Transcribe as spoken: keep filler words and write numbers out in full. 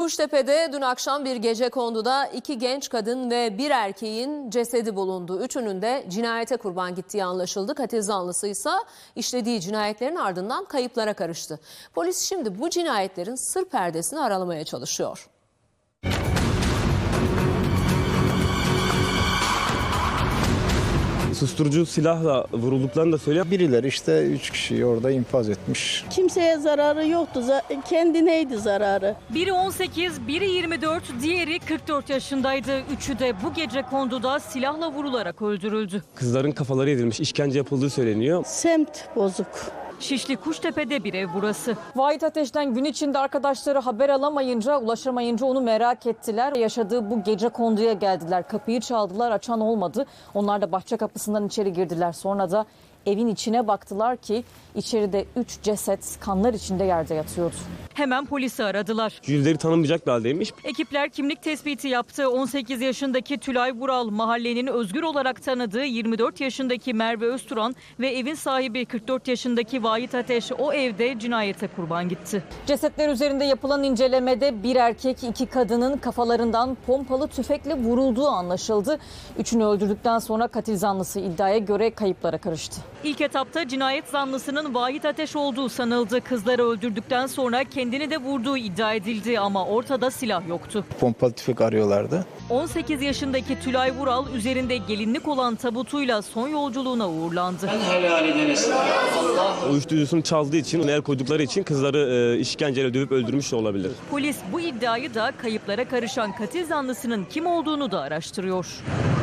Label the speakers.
Speaker 1: Kuştepe'de dün akşam bir gecekonduda iki genç kadın ve bir erkeğin cesedi bulundu. Üçünün de cinayete kurban gittiği anlaşıldı. Katil zanlısı ise işlediği cinayetlerin ardından kayıplara karıştı. Polis şimdi bu cinayetlerin sır perdesini aralamaya çalışıyor.
Speaker 2: Susturucu silahla vurulduklarını da söylüyor.
Speaker 3: Birileri işte üç kişiyi orada infaz etmiş.
Speaker 4: Kimseye zararı yoktu. Kendineydi zararı.
Speaker 5: Biri on sekiz, biri yirmi dört, diğeri kırk dört yaşındaydı. Üçü de bu gece konduda silahla vurularak öldürüldü.
Speaker 2: Kızların kafaları edilmiş, işkence yapıldığı söyleniyor.
Speaker 4: Semt bozuk.
Speaker 5: Şişli Kuştepe'de bir ev burası.
Speaker 6: Vahit Ateş'ten gün içinde arkadaşları haber alamayınca, ulaşamayınca onu merak ettiler. Yaşadığı bu gece konduya geldiler. Kapıyı çaldılar, açan olmadı. Onlar da bahçe kapısından içeri girdiler. Sonra da evin içine baktılar ki içeride üç ceset kanlar içinde yerde yatıyordu.
Speaker 5: Hemen polisi aradılar.
Speaker 2: Yüzleri tanınmayacak bir haldeymiş.
Speaker 5: Ekipler kimlik tespiti yaptı. on sekiz yaşındaki Tülay Vural, mahallenin Özgür olarak tanıdığı yirmi dört yaşındaki Merve Özturan ve evin sahibi kırk dört yaşındaki Vahit Ateş o evde cinayete kurban gitti.
Speaker 6: Cesetler üzerinde yapılan incelemede bir erkek, iki kadının kafalarından pompalı tüfekle vurulduğu anlaşıldı. Üçünü öldürdükten sonra katil zanlısı iddiaya göre kayıplara karıştı.
Speaker 5: İlk etapta cinayet zanlısının Vahit Ateş olduğu sanıldı. Kızları öldürdükten sonra kendini de vurduğu iddia edildi ama ortada silah yoktu.
Speaker 3: Pompalı tüfek arıyorlardı.
Speaker 5: on sekiz yaşındaki Tülay Vural üzerinde gelinlik olan tabutuyla son yolculuğuna uğurlandı.
Speaker 2: Uyuşturucusunu çaldığı için, onu el koydukları için kızları e, işkenceyle dövüp öldürmüş de olabilir.
Speaker 5: Polis bu iddiayı da kayıplara karışan katil zanlısının kim olduğunu da araştırıyor.